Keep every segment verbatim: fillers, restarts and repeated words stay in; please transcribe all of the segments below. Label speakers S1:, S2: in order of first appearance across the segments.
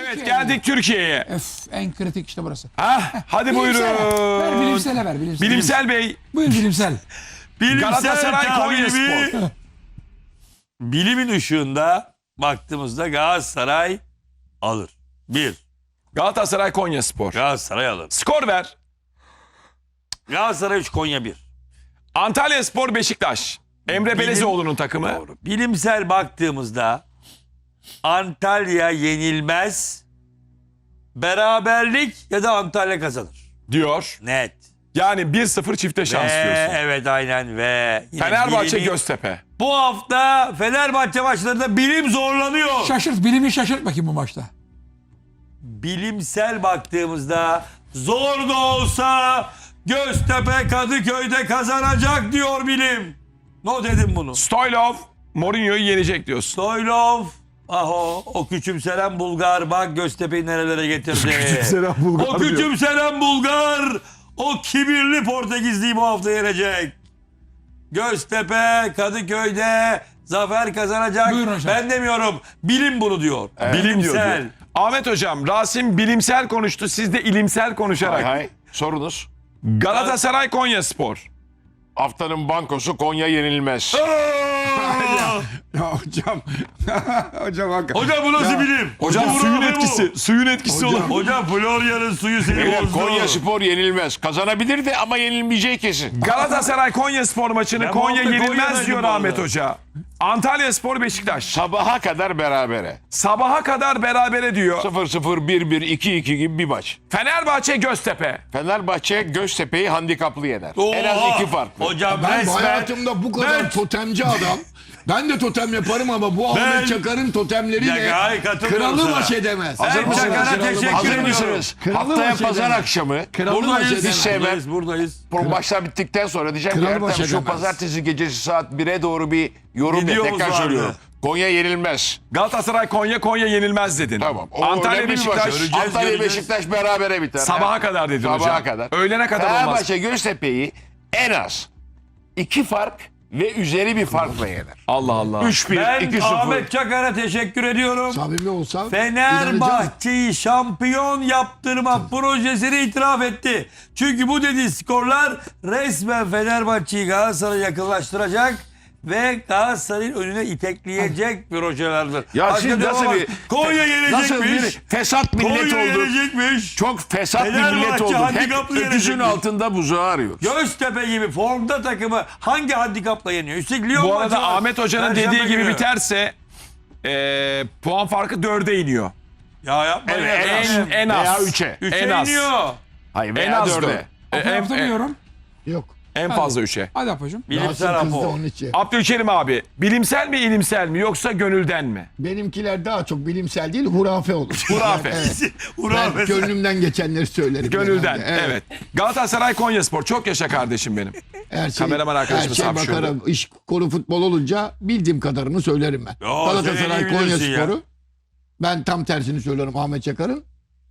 S1: Evet geldik Türkiye'ye.
S2: Öf, en kritik işte burası.
S1: Ha, hadi buyurun.
S2: Bilimsel. Ver bilimsele ver. Bilimsel,
S1: Bilimsel Bey.
S2: Buyur bilimsel.
S1: Galatasaray
S3: Bilimsel
S1: Konyaspor.
S3: tahlili, bilimin ışığında baktığımızda Galatasaray alır. Bir.
S1: Galatasaray Konyaspor.
S3: Galatasaray alır.
S1: Skor ver.
S3: Galatasaray üç, Konya bir.
S1: Antalyaspor Beşiktaş. Emre Belezoğlu'nun takımı.
S3: Doğru. Bilimsel baktığımızda Antalya yenilmez. Beraberlik ya da Antalya kazanır.
S1: Diyor.
S3: Net.
S1: Yani bir sıfır çifte şans
S3: Ve,
S1: diyorsun.
S3: evet aynen ve yine
S1: Fenerbahçe
S3: bilimi-
S1: Göztepe.
S3: Bu hafta Fenerbahçe maçlarında bilim zorlanıyor.
S2: Şaşırt. Bilimi şaşırt bakayım bu maçta.
S3: Bilimsel baktığımızda zor da olsa Göztepe Kadıköy'de kazanacak diyor bilim. Ne dedim bunu?
S1: Stoylov Mourinho'yu yenecek diyorsun.
S3: Stoylov, aho, o küçümselen Bulgar bak Göztepe'yi nerelere getirdi.
S1: Küçümselen Bulgar
S3: O
S1: diyor.
S3: küçümselen Bulgar, o kibirli Portekizli'yi bu hafta yenecek. Göztepe Kadıköy'de zafer kazanacak.
S2: Buyurun hocam.
S3: Ben demiyorum, bilim bunu diyor.
S1: Bilim diyor,
S3: Bilimsel.
S1: diyor. Ahmet Hocam, Rasim bilimsel konuştu. Siz de ilimsel konuşarak.
S4: Hay hay. Sorunuz.
S1: Galatasaray Konyaspor.
S4: Haftanın bankosu Konya yenilmez.
S5: Ya hocam. hocam hakikaten.
S3: Hocam bu nasıl
S5: Ya,
S3: bilim?
S1: Hocam
S3: Bu
S1: suyun
S3: ne bu?
S1: etkisi. Suyun etkisi
S5: Hocam.
S1: olur.
S3: Hocam Florya'nın suyu seni
S4: Beyler,
S3: bozdu.
S4: Konya Spor yenilmez. Kazanabilirdi ama yenilmeyeceği kesin.
S1: Galatasaray Konyaspor maçını
S3: Ben bu
S1: Konya
S3: hafta
S1: yenilmez
S3: Konya'daydım
S1: diyor
S3: bu
S1: Ahmet
S3: arada.
S1: Hoca. Antalyaspor Beşiktaş.
S4: Sabaha kadar berabere.
S1: Sabaha kadar berabere diyor.
S4: sıfır sıfır, bir bir, iki iki gibi bir maç.
S1: Fenerbahçe Göztepe.
S4: Fenerbahçe Göztepe'yi handikaplı yener. En
S3: Oha!
S4: az iki farklı.
S3: Hocam
S5: Ben
S3: resmen.
S5: hayatımda bu kadar
S3: Ben-
S5: totemci adam. Ben de totem yaparım ama bu
S3: Ben-
S5: Ahmet Çakar'ın totemleriyle
S3: Ya, hayır, katılmıyorum
S5: kralı
S3: sana.
S5: baş edemez.
S3: Ben
S5: Kralı
S3: Çakar'a
S5: baş edemez.
S3: teşekkür
S4: Hazır
S3: ediyorum.
S4: mısınız?
S5: Kralı
S4: Haftaya
S5: baş
S4: pazar
S5: edemez.
S4: akşamı
S5: Kralı baş
S3: Buradayız,
S5: edemez.
S4: hiç sevmem.
S3: buradayız, buradayız.
S4: bu maçlar bittikten sonra diyeceğim ki
S5: Kralı baş
S4: Ertem şu
S5: edemez.
S4: pazartesi gecesi saat bire doğru bir yorum yap.
S3: Videomuz
S4: Tekrar
S3: vardı.
S4: söylüyorum. Konya yenilmez.
S1: Galatasaray Konya Konya yenilmez dedin.
S4: Tamam. O
S1: Antalya
S4: önemli bir maç.
S1: Beşiktaş
S3: Göreceğiz,
S4: Antalya
S3: göreceğiz.
S4: Beşiktaş berabere biter.
S1: sabaha
S4: Ha?
S1: kadar dedin
S4: Sabaha
S1: hocam.
S4: kadar.
S1: Öğlene kadar olmaz.
S4: Fenerbahçe Göztepe'yi en az iki fark ve üzeri bir farkla yener.
S1: Allah Allah.
S4: üç bir,
S3: Ben
S4: iki sıfır.
S3: Ahmet Çakar'a teşekkür ediyorum.
S5: Samimi olsam inanacağım.
S3: Fenerbahçe'yi şampiyon yaptırma projesini itiraf etti. Çünkü bu dediği skorlar resmen Fenerbahçe'yi Galatasaray'a yakınlaştıracak ve Galatasaray'ın önüne itekleyecek projelerdir.
S4: Ya
S3: Başka
S4: siz
S3: bir
S4: nasıl
S3: olmaz.
S4: bir
S3: Konya
S4: nasıl bir
S3: yenecekmiş.
S4: fesat millet
S3: Konya
S4: olduk.
S3: yenecekmiş.
S4: Çok fesat bir
S3: Fenerbahçe
S4: millet olduk. Hep
S3: handikaplı
S4: öküzün
S3: yenecekmiş.
S4: altında buzağı arıyoruz.
S3: Göztepe gibi formda takımı hangi handikapla yeniyor? Üstelik Lyon
S1: Bu
S3: maçı
S1: arada
S3: var.
S1: Ahmet Hoca'nın
S3: Perşembe
S1: dediği gibi
S3: günü.
S1: biterse eee, puan farkı dörde iniyor.
S3: Ya yapmayın.
S4: Evet, en az.
S1: En, en az.
S4: Veya üçe.
S3: Üçe
S1: en az.
S3: iniyor.
S4: Hayır
S1: En
S4: veya
S1: az
S4: dörde.
S1: dört. E, en, en,
S2: Hatırlamıyorum.
S5: Yok.
S1: en fazla üçe.
S2: Hadi yapacağım.
S3: Bilimsel
S5: Rasim kızdı
S3: rapor.
S5: onun için.
S1: Abdülkerim abi bilimsel mi ilimsel mi yoksa gönülden mi?
S5: Benimkiler daha çok bilimsel değil, hurafe olur.
S1: Hurafe.
S5: Evet.
S3: Uğur
S5: Ben gönlümden geçenleri söylerim.
S1: Gönülden
S5: genelde.
S1: evet. Galatasaray Konyaspor çok yaşa kardeşim benim.
S5: Her şey,
S1: Kameraman arkadaşımız
S5: her şey
S1: hapşırdı.
S5: bakarım. İş konu futbol olunca bildiğim kadarını söylerim ben.
S3: Yo, sen
S5: Galatasaray
S3: iyi bilirsin
S5: Konyaspor'u ben tam tersini söylüyorum Ahmet Çakar'ın.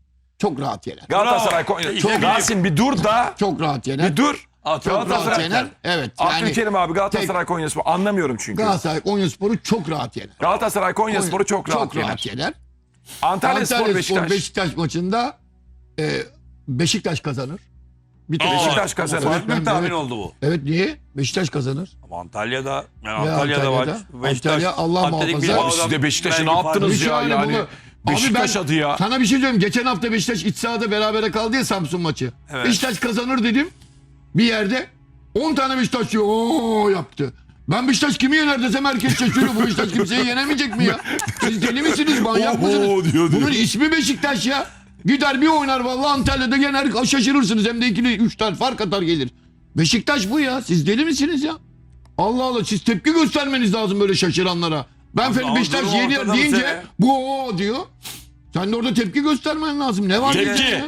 S5: Çok rahat yener.
S1: Galatasaray
S3: Bravo.
S1: Konya.
S3: Çok-
S1: Rasim bir dur da
S5: Çok rahat yener.
S1: bir dur.
S3: Çok
S5: Çok rahat
S1: Galatasaray
S5: yener. Evet. Yani
S1: Abdülkerim abi Galatasaray Konyaspor anlamıyorum çünkü.
S5: Galatasaray Konyaspor'u çok rahat yener.
S1: Galatasaray Konyaspor'u çok rahat
S5: çok
S1: yener.
S5: rahat yener.
S1: Antalya Spor
S5: Antalya
S1: Beşiktaş.
S5: Spor Beşiktaş maçında e, Beşiktaş kazanır. Bir tek
S3: Aa,
S1: Beşiktaş kazanır.
S3: Farklı
S5: Ben-
S3: bir tahmin
S5: evet.
S3: oldu bu.
S5: Evet niye? Beşiktaş kazanır.
S3: Ama Antalya'da, yani
S5: Ve
S3: Antalya'da var.
S5: Antalya'da.
S3: Beşiktaş,
S5: Antalya Allah
S3: Atletik
S5: muhafaza.
S3: Bilbao'dan
S1: Abi siz de Beşiktaş'ı ne
S3: belki
S1: yaptınız
S3: farklı.
S1: ya
S5: Hiç
S1: yani?
S5: bunu-
S1: Beşiktaş
S5: Abi ben
S1: adı ya.
S5: Sana bir şey söyleyeyim. Geçen hafta Beşiktaş iç sahada berabere kaldı ya Samsun maçı.
S3: Evet.
S5: Beşiktaş kazanır dedim. Bir yerde on tane Beşiktaş diyor. Oo yaptı. Ben Beşiktaş kimi yener desem herkes şaşırıyor. Bu Beşiktaş kimseyi yenemeyecek mi ya? Siz deli misiniz? Manyak
S1: Oo,
S5: mısınız?
S1: diyor, diyor.
S5: Bunun ismi Beşiktaş ya. Gider bir oynar vallahi Antalya'da yener şaşırırsınız. Hem de ikili üç tane fark atar gelir. Beşiktaş bu ya. Siz deli misiniz ya? Allah Allah siz tepki göstermeniz lazım böyle şaşıranlara. Ben Fener
S3: Ama
S5: Beşiktaş
S3: durum
S5: yeniyor
S3: ortada bu
S5: deyince
S3: sene.
S5: bu o diyor. Sen de orada tepki göstermen lazım. Ne var
S1: Tepki.
S5: ya?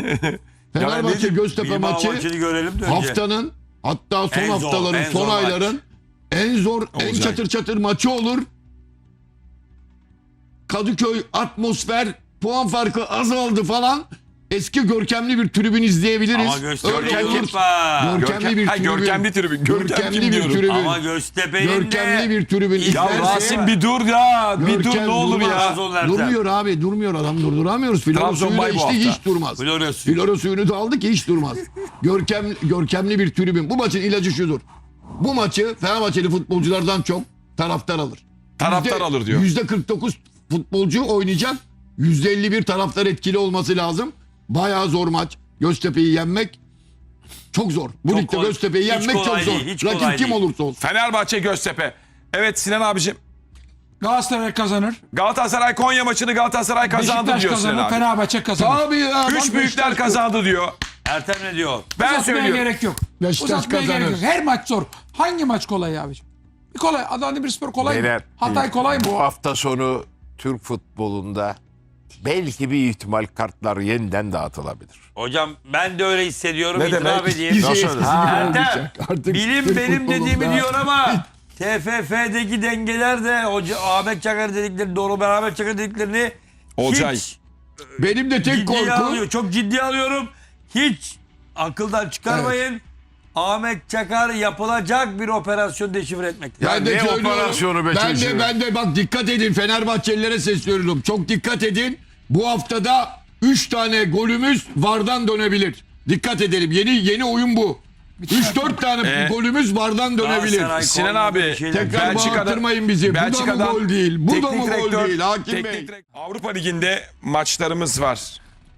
S5: Fenerbahçe Göztepe
S3: Bilbao
S5: maçı
S3: maçını görelim de önce.
S5: haftanın hatta son
S3: En zor,
S5: haftaların
S3: en
S5: son
S3: zor maç.
S5: ayların en zor en
S1: Olacak.
S5: çatır çatır maçı olur. Kadıköy atmosfer puan farkı azaldı falan. eski görkemli bir tribün izleyebiliriz.
S3: Ama Göztepe
S5: Öyle
S3: kim?
S5: olur.
S3: Unutma.
S5: Görkemli bir
S1: Ha,
S5: tribün.
S1: görkemli tribün. Görkem
S5: Görkemli
S1: kim
S5: bir
S1: diyorum?
S5: tribün.
S3: Ama Göztepe'nin de...
S5: Görkemli bir tribün.
S1: Ya
S5: İzlerse-
S1: Rasim bir dur ya. Bir dur
S5: Görkem
S1: ne olur
S5: durmaz.
S1: ya.
S3: Trabzon Ertem.
S5: Durmuyor abi, durmuyor adam, durduramıyoruz. Flora
S1: Trabzon
S5: suyunu da
S1: bay bu
S5: içti,
S1: hafta.
S5: hiç durmaz.
S3: Flora suyu.
S5: Flora suyunu da aldı ki hiç durmaz. Görkem, görkemli bir tribün. Bu maçın ilacı şudur. Bu maçı Fenerbahçeli futbolculardan çok taraftar alır.
S1: Taraftar
S5: Yüzde-
S1: alır diyor.
S5: yüzde kırk dokuz futbolcu oynayacak. yüzde elli bir taraftar etkili olması lazım. Bayağı zor maç. Göztepe'yi yenmek çok zor. Bu
S3: Çok
S5: ligde
S3: kolay-
S5: Göztepe'yi
S3: hiç
S5: yenmek çok
S3: kolay
S5: zor.
S3: değil, hiç kolay
S5: Rakip kim
S3: değil.
S5: olursa olsun.
S1: Fenerbahçe Göztepe. Evet Sinan abicim.
S2: Galatasaray kazanır.
S1: Galatasaray Konya maçını Galatasaray kazandı
S2: Beşiktaş
S1: diyor Sinan
S2: kazanır.
S1: abi.
S2: Fenerbahçe kazanır.
S5: Abi ya.
S1: Üç
S5: bak
S1: büyükler
S5: Beşiktaş-
S1: kazandı diyor.
S3: Ertem ne diyor?
S1: Ben
S2: Uzatmaya
S1: söylüyorum.
S2: gerek yok.
S5: Beşiktaş
S2: Uzatmaya gerek
S5: kazanır.
S2: yok. Her maç zor. Hangi maç kolay abicim? Bir kolay. Adana Demirspor kolay mı?
S4: Beyler,
S2: Hatay kolay mı?
S4: Bu hafta sonu Türk futbolunda belki bir ihtimal kartlar yeniden dağıtılabilir.
S3: Hocam ben de öyle hissediyorum.
S1: Ne
S3: İtiraf
S1: demek?
S3: edeyim.
S5: Bizi
S4: Nasıl?
S5: eskisi
S3: Ha,
S5: gibi
S3: Ertem,
S5: olmayacak. Artık
S3: Bilim
S5: Türk
S3: benim
S5: futbolunda-
S3: dediğimi diyor ama T F F'deki dengeler de Hoca Ahmet Çakar dedikleri doğru, ben Ahmet Çakar dediklerini
S1: Olcay.
S3: hiç
S5: Benim de tek
S3: ciddiye
S5: korkum
S3: alıyor. Çok ciddi alıyorum. Hiç akıldan çıkarmayın. Ahmet Çakar yapılacak bir operasyon deşifre etmektir.
S4: Ya
S5: ben de
S4: ne
S5: söylüyorum.
S4: operasyonu be
S5: ben
S4: çocuğum?
S5: de ben de bak dikkat edin, Fenerbahçelilere sesleniyorum. Çok dikkat edin. Bu haftada üç tane golümüz VAR'dan dönebilir. Dikkat edelim. Yeni yeni oyun bu. üç dört tane
S1: Ee,
S5: golümüz VAR'dan dönebilir.
S3: Galatasaray
S1: Sinan
S3: Konya'da
S1: abi,
S3: bir şeyler-
S5: Tekrar bağırtırmayın bizi. Bu da mı
S1: Belçika'dan
S5: gol değil? Bu da
S1: teknik
S5: mı gol
S1: direktör-
S5: değil Hakim
S1: teknik
S5: Bey?
S1: direkt- Avrupa Ligi'nde maçlarımız var.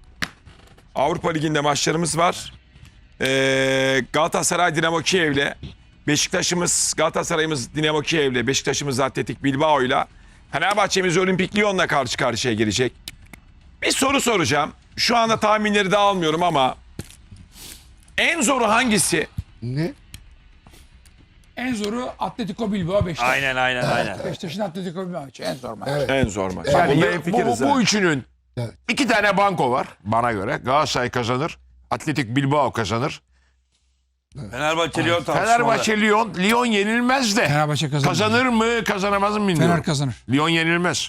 S1: Avrupa Ligi'nde maçlarımız var. Ee, Galatasaray Dinamo Kiev'le, Beşiktaş'ımız Galatasaray'ımız Dinamo Kiev'le, Beşiktaş'ımız Atletik Bilbao'yla, Fenerbahçe'miz Olimpik Lyon'la karşı karşıya gelecek. Bir soru soracağım. Şu anda tahminleri de almıyorum ama en zoru hangisi?
S5: Ne?
S2: En zoru Atletico Bilbao Beşiktaş.
S3: Aynen aynen aynen.
S2: Beşiktaş'ın Atletico Bilbao maçı en zor maç.
S1: En zor maç.
S4: Yani
S1: Bunda
S4: bu,
S1: hemfikiriz
S4: bu,
S1: ha.
S4: bu üçünün
S5: Evet.
S4: iki tane banko var bana göre. Galatasaray kazanır. Atletik Bilbao kazanır.
S3: Fenerbahçe Lyon tartışmalı.
S4: Fenerbahçe Lyon. Lyon yenilmez de.
S2: Fenerbahçe kazanır.
S4: Kazanır mı kazanamaz mı bilmiyorum.
S2: Fener kazanır.
S4: Lyon yenilmez.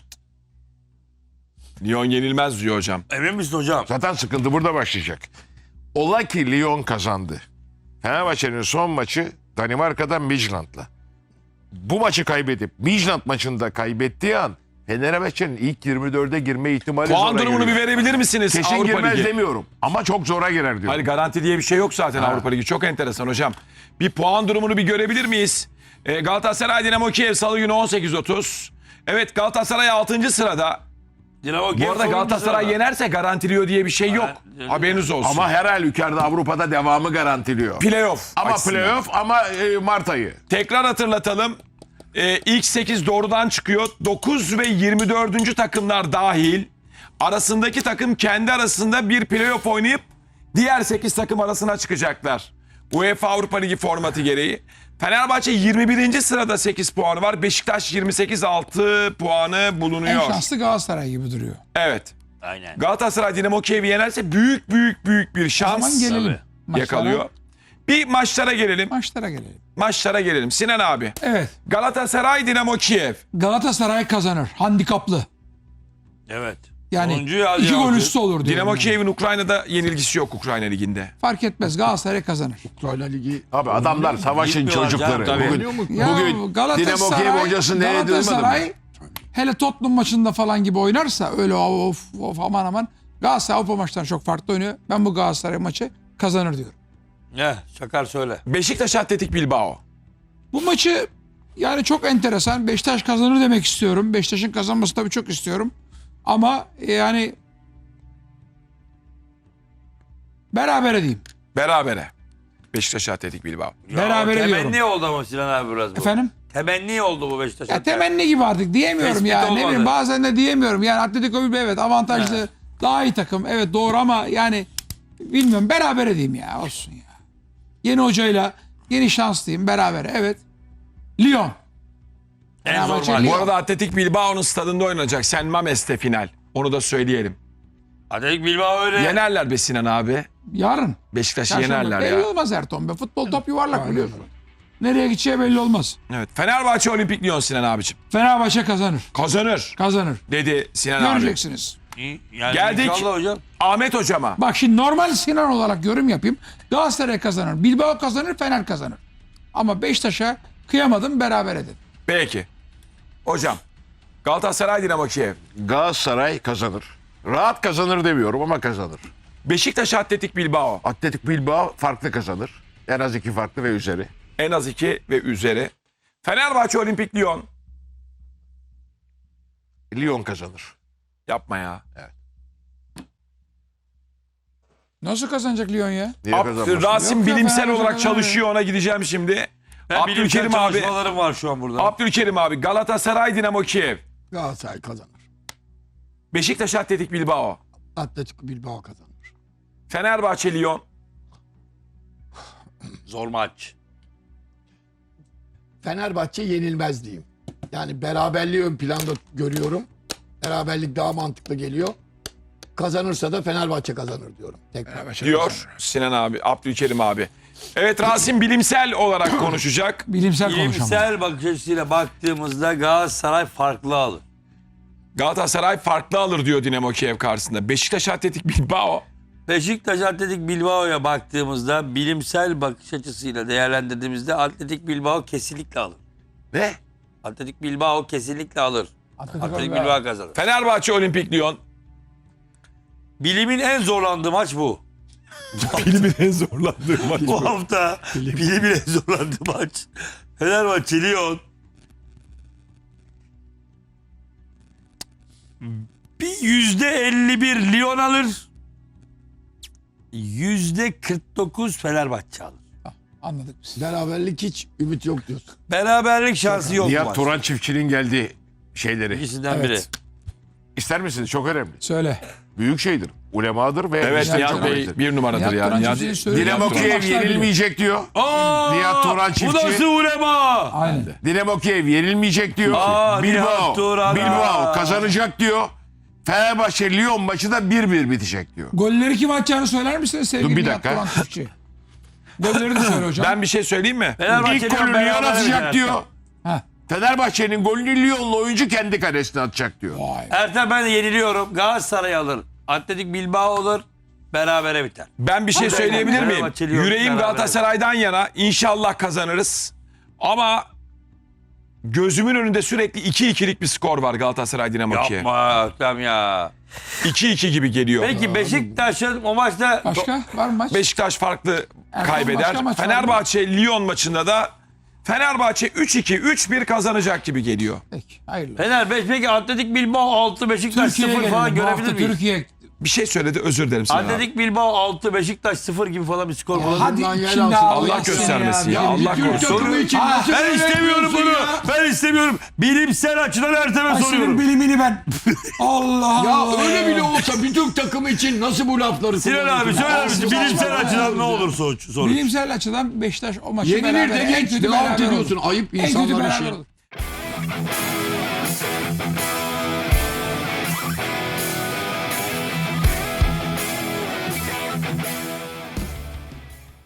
S1: Lyon yenilmez diyor hocam.
S3: Emin misin hocam?
S4: Zaten sıkıntı burada başlayacak. Ola ki Lyon kazandı. Fenerbahçe'nin son maçı Danimarka'dan Midtjylland'la. Bu maçı kaybedip Midtjylland maçında kaybettiği an Fenerbahçe'nin ilk yirmi dörde girme ihtimali
S1: Puan
S4: zora
S1: durumunu bir
S4: giriyor.
S1: verebilir misiniz?
S4: Kesin
S1: Avrupa
S4: girmez
S1: Ligi.
S4: demiyorum ama çok zora girer diyorum.
S1: Hayır, garanti diye bir şey yok zaten Avrupa Ligi. Çok enteresan hocam. Bir puan durumunu bir görebilir miyiz? Ee, Galatasaray Dinamo Kiev Salı günü on sekiz otuz. Evet, Galatasaray altıncı sırada.
S3: Dinamo
S1: Bu
S3: Kiev
S1: arada
S3: sonuncu
S1: Galatasaray
S3: sırada.
S1: yenerse garantiliyor diye bir şey yok.
S3: Evet.
S1: Haberiniz olsun.
S4: Ama her halükarda Avrupa'da devamı garantiliyor.
S1: playoff
S4: Ama
S1: açısından.
S4: playoff ama e, Mart ayı.
S1: Tekrar hatırlatalım. Ee, ilk sekiz doğrudan çıkıyor. dokuz ve yirmi dördüncü takımlar dahil. Arasındaki takım kendi arasında bir playoff oynayıp diğer sekiz takım arasına çıkacaklar. UEFA Avrupa Ligi formatı gereği. Fenerbahçe yirmi birinci sırada sekiz puanı var. Beşiktaş yirmi sekiz altı puanı
S2: En
S1: bulunuyor.
S2: şanslı Galatasaray gibi duruyor.
S1: Evet.
S3: Aynen.
S1: Galatasaray Dinamo Kiev'i yenerse büyük büyük büyük bir
S2: O zaman
S1: şans
S2: gelelim. Maçlara,
S1: yakalıyor. Bir maçlara gelelim.
S2: Maçlara gelelim.
S1: Maçlara gelelim. Sinan abi.
S2: Evet.
S1: Galatasaray Dinamo Kiev.
S2: Galatasaray kazanır. Handikaplı.
S3: Evet.
S2: Yani
S3: Sonuncu ya,
S2: iki
S3: ya,
S2: gol
S3: altı.
S2: üstü olur diyorum.
S1: Dinamo
S2: yani.
S1: Kiev'in Ukrayna'da yenilgisi yok Ukrayna Ligi'nde.
S2: Fark etmez. Galatasaray kazanır.
S5: Ukrayna Ligi.
S4: Abi adamlar savaşın
S3: Gitmiyorlar
S4: çocukları.
S3: canım, tabii.
S4: Bugün,
S5: Oynuyor mu?
S2: Ya
S4: bugün Dinamo
S2: Galatasaray,
S4: Kiev hocası neye duymadı mı?
S2: Galatasaray hele Tottenham maçında falan gibi oynarsa öyle of, of aman aman Galatasaray Avrupa maçlarında çok farklı oynuyor. Ben bu Galatasaray maçı kazanır diyorum.
S3: Ne? Çakar söyle.
S1: Beşiktaş Atletik Bilbao.
S2: Bu maçı yani çok enteresan. Beşiktaş kazanır demek istiyorum. Beşiktaş'ın kazanması tabii çok istiyorum. Ama yani berabere diyeyim.
S1: Berabere. Beşiktaş Atletik Bilbao.
S2: Berabere
S3: Ya,
S2: diyorum.
S3: Temenni oldu ama Sinan abi biraz bu.
S2: Efendim?
S3: Temenni oldu bu Beşiktaş'a.
S2: Ya temenni gibi artık diyemiyorum
S3: Tespit
S2: ya. Ne
S3: olmadı.
S2: bileyim bazen de diyemiyorum. Yani Atletico Bilbao evet avantajlı.
S3: Evet.
S2: Daha iyi takım. Evet doğru ama yani bilmiyorum berabere diyeyim ya. Olsun ya. Yeni hocayla yeni şans diyeyim berabere. Evet. Lyon.
S3: En zor
S2: Fenerbahçe
S3: maç.
S2: Lyon.
S1: Bu arada Atletik Bilbao'nun stadında oynanacak. Sen Mames'te final. Onu da söyleyelim.
S3: Atletik Bilbao öyle.
S1: Yenerler be Sinan abi.
S2: Yarın.
S1: Beşiktaş'ı
S2: Çarşamba.
S1: yenerler
S2: Belli
S1: ya.
S2: olmaz Erton be. Futbol top yuvarlak biliyorsun. Nereye gideceği belli olmaz.
S1: Evet. Fenerbahçe Olimpik Lyon Sinan abicim.
S2: Fenerbahçe kazanır.
S1: Kazanır
S2: Kazanır.
S1: dedi Sinan abi.
S2: Göreceksiniz.
S3: İyi, Yani
S1: Geldik.
S3: İnşallah hocam.
S1: Ahmet hocama.
S2: Bak şimdi normal Sinan olarak yorum yapayım. Galatasaray kazanır, Bilbao kazanır, Fener kazanır. Ama Beşiktaş'a kıyamadım, beraber edin.
S1: Peki. Hocam. Galatasaray Dinamo Kiev.
S4: Galatasaray kazanır. Rahat kazanır demiyorum ama kazanır.
S1: Beşiktaş Atletik Bilbao.
S4: Atletik Bilbao farklı kazanır. En az iki farklı ve üzeri.
S1: En az iki ve üzeri. Fenerbahçe Olimpik Lyon.
S4: Lyon kazanır.
S1: Yapma ya.
S2: Nasıl kazanacak Lyon ya?
S4: Niye
S1: Ab-
S4: kazanmasın?
S1: Rasim
S2: Yok ya,
S1: bilimsel
S2: Fenerbahçe
S1: olarak
S2: kazanır.
S1: çalışıyor, ona gideceğim şimdi.
S3: Ben bilimsel
S1: Abdülkerim abi.
S3: çalışmalarım var şu an burada.
S1: Abdülkerim abi. Galatasaray Dinamo Kiev.
S5: Galatasaray kazanır.
S1: Beşiktaş Atletik Bilbao.
S5: Atletico Bilbao kazanır.
S1: Fenerbahçe Lyon.
S3: Zor maç.
S5: Fenerbahçe yenilmez diyeyim. Yani beraberliği ön planda görüyorum. Beraberlik daha mantıklı geliyor. Kazanırsa da Fenerbahçe kazanır diyorum. Tekrar.
S1: Diyor Sinan abi, Abdülkerim abi. Evet, Rasim bilimsel olarak konuşacak.
S2: Bilimsel konuşalım.
S3: Bilimsel bakış açısıyla baktığımızda Galatasaray farklı alır.
S1: Galatasaray farklı alır diyor Dinamo Kiev karşısında. Beşiktaş Atletik Bilbao.
S3: Beşiktaş Atletik Bilbao'ya baktığımızda bilimsel bakış açısıyla değerlendirdiğimizde Atletik Bilbao kesinlikle alır.
S4: Ne?
S3: Atletik Bilbao kesinlikle alır.
S2: Atletico
S3: Atletik
S2: Bilbao.
S3: Bilbao kazanır.
S1: Fenerbahçe Olimpik Lyon.
S3: Bilimin en zorlandığı maç bu.
S1: Bilimin en zorlandığı maç
S3: Bu hafta bilimin en zorlandığı maç. Fenerbahçe Lyon. Bir yüzde elli bir Lyon alır. Yüzde kırk dokuz Fenerbahçe alır.
S2: Anladık biz.
S5: Beraberlik hiç ümit yok diyorsun.
S3: Beraberlik şansı yok bu
S4: Nihat
S3: maç.
S4: Turan çiftçinin geldiği şeyleri.
S3: İkisinden
S2: Evet.
S3: biri.
S4: İster misiniz? Çok önemli.
S2: Söyle.
S4: Büyük şeydir. Ulemadır ve
S1: Evet,
S4: bizden
S1: Nihat
S4: çok
S1: Bey
S4: önemlidir.
S1: bir numaradır
S2: Nihat
S1: ya.
S2: Turan
S1: Nihat-
S2: Çiftçi'nin söylediği
S4: Dinamo
S2: yaptığı
S4: Kiev
S2: maçlar biliyor.
S4: yenilmeyecek diyor.
S3: Aa,
S4: Nihat Turan
S3: Bu
S4: çiftçi.
S3: nasıl ulema?
S2: Aynen.
S4: Dinamo Kiev yenilmeyecek diyor.
S3: Aa,
S4: Bilbao,
S3: Nihat Turan.
S4: Bilbao kazanacak diyor. Fenerbahçe Lyon maçı da bir bir bitecek diyor.
S2: Golleri kim atacağını söyler misiniz sevgili
S4: Dur bir
S2: Nihat
S4: dakika.
S2: Turan Çiftçi? Golleri de söyle hocam.
S1: Ben bir şey söyleyeyim mi?
S3: Fenerbahçe
S4: İlk golü Lyon
S3: beraber
S4: atacak
S3: biter.
S4: diyor.
S2: Ha.
S4: Fenerbahçe'nin golünü Lyon'lu oyuncu kendi kalesine atacak diyor.
S2: Vay.
S3: Ertem ben de yeniliyorum. Galatasaray alır. Atletik Bilbao olur. Berabere biter.
S1: Ben bir şey söyleyebilir miyim?
S3: Fenerbahçe Lyon
S1: Yüreğim
S3: beraber.
S1: Galatasaray'dan yana. İnşallah kazanırız. Ama gözümün önünde sürekli iki ikilik bir skor var Galatasaray Dinamo Kiev.
S3: Yapma Ertem ya.
S1: iki iki gibi geliyor.
S3: Peki Beşiktaş'ın o maçta
S2: Başka var mı maç?
S1: Beşiktaş farklı
S2: Erkan,
S1: kaybeder.
S2: başka maç var mı?
S1: Fenerbahçe Lyon maçında da Fenerbahçe üç iki üç bir kazanacak gibi geliyor.
S2: Peki hayırlı.
S3: Fener beş peki Atletik Bilbao altı Beşiktaş
S2: Türkiye'ye
S3: sıfır falan
S2: gelelim. Bu hafta
S3: görebilir miyiz?
S2: Türkiye.
S1: Bir şey söyledi, özür dilerim sana.
S3: Atletik Bilbao altı Beşiktaş sıfır gibi falan bir skor bulabilir
S2: Hadi
S5: Bundan yer
S2: şimdi
S5: alsın.
S2: abi
S1: Allah
S2: ya
S1: göstermesin
S2: seni
S1: ya, Allah
S2: Türk
S1: korusun.
S2: takımı için
S5: Ha,
S2: nasıl
S3: Ben
S2: böyle
S3: istemiyorum bunu.
S2: yapıyorsun ya?
S3: Ben istemiyorum. Bilimsel açıdan Ertem'e
S2: Ay, senin
S3: soruyorum.
S2: bilimini ben. Allah
S5: Ya
S2: Allah.
S5: öyle bile olsa bir Türk takımı için nasıl bu lafları
S3: Sinan abi
S5: kullanıyorsun?
S3: söyler misin?
S2: Allah
S3: Bilimsel
S2: Allah.
S3: açıdan ne olur sonuç? sonuç?
S2: Bilimsel açıdan Beşiktaş o maçı
S5: Yenilir
S2: beraber.
S5: de
S2: en
S5: geç
S2: kötü
S5: devam
S2: beraber
S5: ediyorsun.
S2: olur.
S5: Ayıp
S2: En kötü
S5: insanların
S2: beraber
S5: şey.
S2: olur.